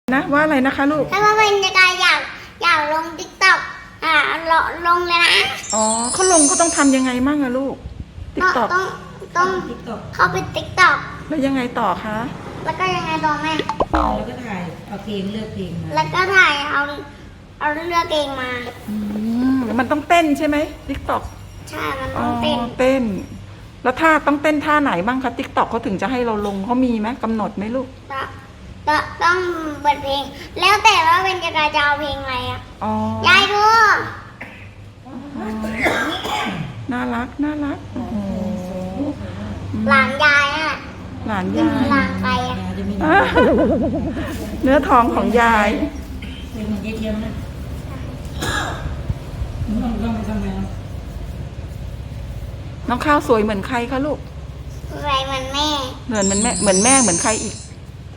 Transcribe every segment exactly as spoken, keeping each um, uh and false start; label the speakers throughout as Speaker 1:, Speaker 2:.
Speaker 1: นะว่าอะไรนะคะลูก
Speaker 2: ถ้าว่าเป็นยังไงอยากอยากลงติ๊กต็อกอ่าลงลงเลยนะ
Speaker 1: อ๋อเขาลงเขาต้องทำยังไงมั่งอะลูกติ๊กต็อก
Speaker 2: ต้องต้องเข้าไปติ๊กต็อก
Speaker 1: แล้วยังไงต่อคะ
Speaker 2: แล้วก็ยังไงต่อแม่
Speaker 3: แล้วก็ถ่ายเอาเพลงเลือกเพลงมา
Speaker 2: แล้วก็ถ่ายเอาเอาเลือกเองมา
Speaker 1: อืมมันต้องเต้นใช่ไหมติ๊กต็อก
Speaker 2: ใช่มันต้องเต้น
Speaker 1: เต้นแล้วท่าต้องเต้นท่าไหนบ้างคะติ๊กต็อกเขาถึงจะให้เราลงเขามีไหมกำหนดไหมลูก
Speaker 2: ก็ต้องเปิดเพลงแล้วแต่ว่าเป็นจะกระจะเอาเพลงอะไรอ่ะยายดู
Speaker 1: น่ารักน่ารักโอ้โห
Speaker 2: หลานยายอ่ะ
Speaker 1: หลานยาย
Speaker 2: หลานใครอ่ะ
Speaker 1: เนื้อทองของยาย
Speaker 3: เป็นเหมือนยายเทียมนะต้องต้องไปทำงาน
Speaker 1: น้องข้าวสวยเหมือนใครคะลูก
Speaker 2: สวยเหมือนแม่
Speaker 1: เหมือนเหมือนแม่เหมือนแม่เหมือนใครอีก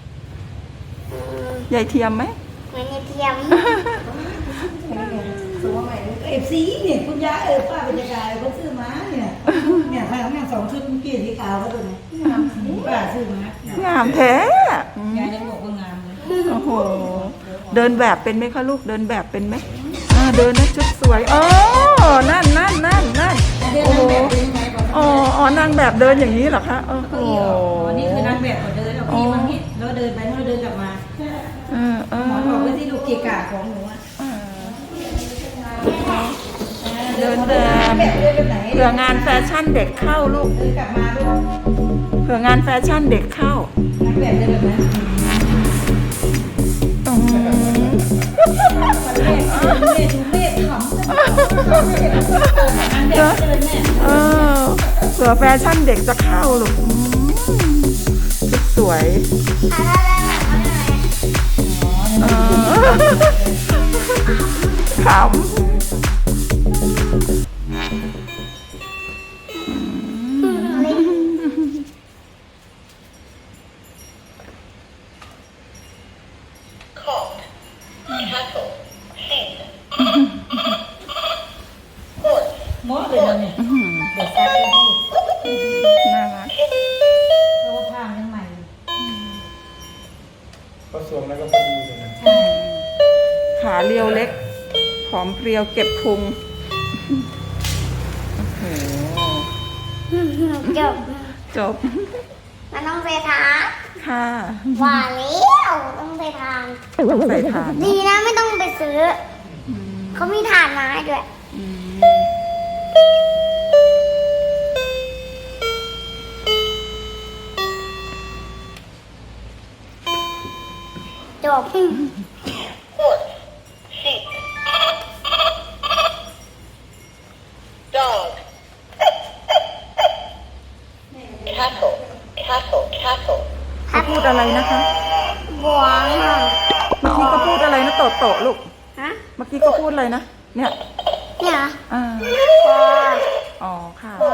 Speaker 1: ยายเทียมไหม
Speaker 2: เหมือนยายเทียม
Speaker 3: ตัวใหม่เอฟซีเนี่ยคุณยายเออป้าเป็นยายเขาซื้อมาเนี่ยเนี่ยใครเขางานสองชุดเมื่อกี้สีขาวเขาตัวไหนป้าซื้อมาง
Speaker 1: ามแท้
Speaker 3: ยายยังบอกว่างามเลย
Speaker 1: โอ้โหเดินแบบเป็นไหมคะลูกเดินแบบเป็นไหมเดินนะชุดสวยอ๋อนั่นนั่นนั่นนั่นโอ้โหอ๋ออ๋อนางแบบเดินอย่างนี้เหรอคะโอ้โห
Speaker 3: นี่คือนางแบบเขาเดินแล้วพี่มันนี่แล้วเดินไปแล้วเดินกลับมาหมอบอกว่าที่ลูกเกะกะของหนูอ่ะ
Speaker 1: เดินแบบเผื่องานแฟชั่นเด็กเข้าลูก
Speaker 3: เดินกลับมาลูก
Speaker 1: เผื่องานแฟชั่นเด็กเข้าน
Speaker 3: างแบบเดินแบบนั้น
Speaker 1: เออเผื่อแฟชั่นเด็กจะเข้าลูกสวยขำ
Speaker 3: มอเลยนะเนี่ยเด็กซักเลย
Speaker 1: น่ารัก
Speaker 3: เพราะว่าผ้ายังใหม่
Speaker 4: ผสมแล้วก็พอดีเลยนะ
Speaker 1: ขาเรียวเล็กผอมเพรียวเก็บพุงโอ้โห
Speaker 2: จบ
Speaker 1: จบ
Speaker 2: มันต้องไปทาน
Speaker 1: ค่ะ
Speaker 2: ว่าแล้วต้องไปทาน
Speaker 1: ใส่ทาน
Speaker 2: ดีนะไม่ต้องไปซื้อเขามีทานมาให้ด้วยจบ
Speaker 5: Horse, sheep, dog, cattle, cattle, cattle.
Speaker 1: เขาพูดอะไรนะคะ
Speaker 2: บัวค่ะ
Speaker 1: เมื่อกี้ก็พูดอะไรนะโตโตลูก
Speaker 2: ฮะ
Speaker 1: เมื่อกี้ก็พูดอะไรนะเนี่ย
Speaker 2: เนี่ย
Speaker 1: อ่า
Speaker 2: บัว
Speaker 1: อ๋อค่ะ
Speaker 2: บัว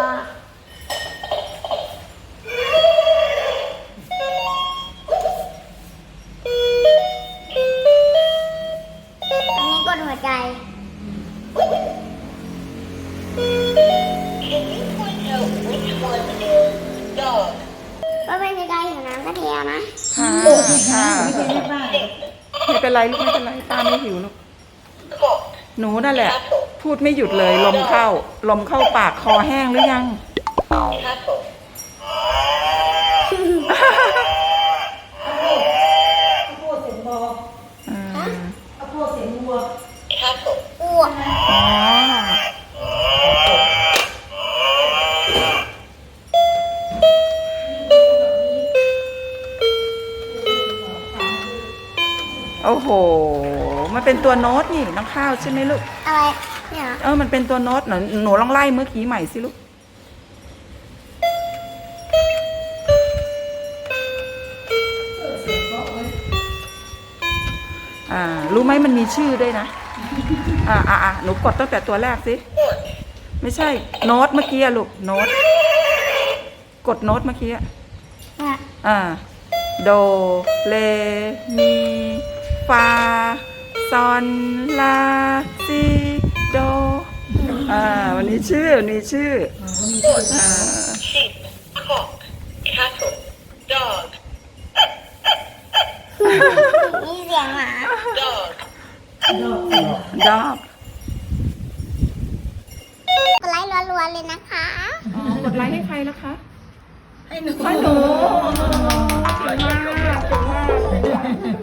Speaker 2: กดหัวใจ
Speaker 5: Can you point out which one is dog?
Speaker 2: ก็เป็นยังไงอยู่น้ำกระเทียมนะ
Speaker 1: ค่ะค่ะไม่เป็นไรลูกไม่เป็นไรตาไม่หิวลูกหนูนั่นแหละพูดไม่หยุดเลยลมเข้าลมเข้าปากคอแห้งหรือยัง
Speaker 2: อ้วก
Speaker 1: อ๋อโอ้โหมันเป็นตัวโน้ตนี่น้องข้าวใช่ไหมลูก
Speaker 2: อะไรเนี่ย
Speaker 1: เออมันเป็นตัวโน้ตหนูหนูลองไล่เมื่อกี้ใหม่สิลูกอ่ารู้ไหมมันมีชื่อด้วยนะอ่าอ่าอ่าหนูกดตั้งแต่ตัวแรกสิไม่ใช่โน้ตเมื่อกี้อะลูกโน้ตกดโน้ตเมื่อกี้อะอ่าโดเรมีฟาซอนลาซีโดอ่าวันนี้ชื่อวันนี้ชื่ออ่า
Speaker 5: sheep, cock, cattle, dog.
Speaker 2: มีเสียง
Speaker 3: ดอก
Speaker 1: ดอก
Speaker 2: กดไลค์รัวๆเลยนะคะ
Speaker 1: อ๋อกดไลค์ให้ใครนะคะ
Speaker 3: ให้หนู
Speaker 1: ให้หนูเก่งมากเก่งมาก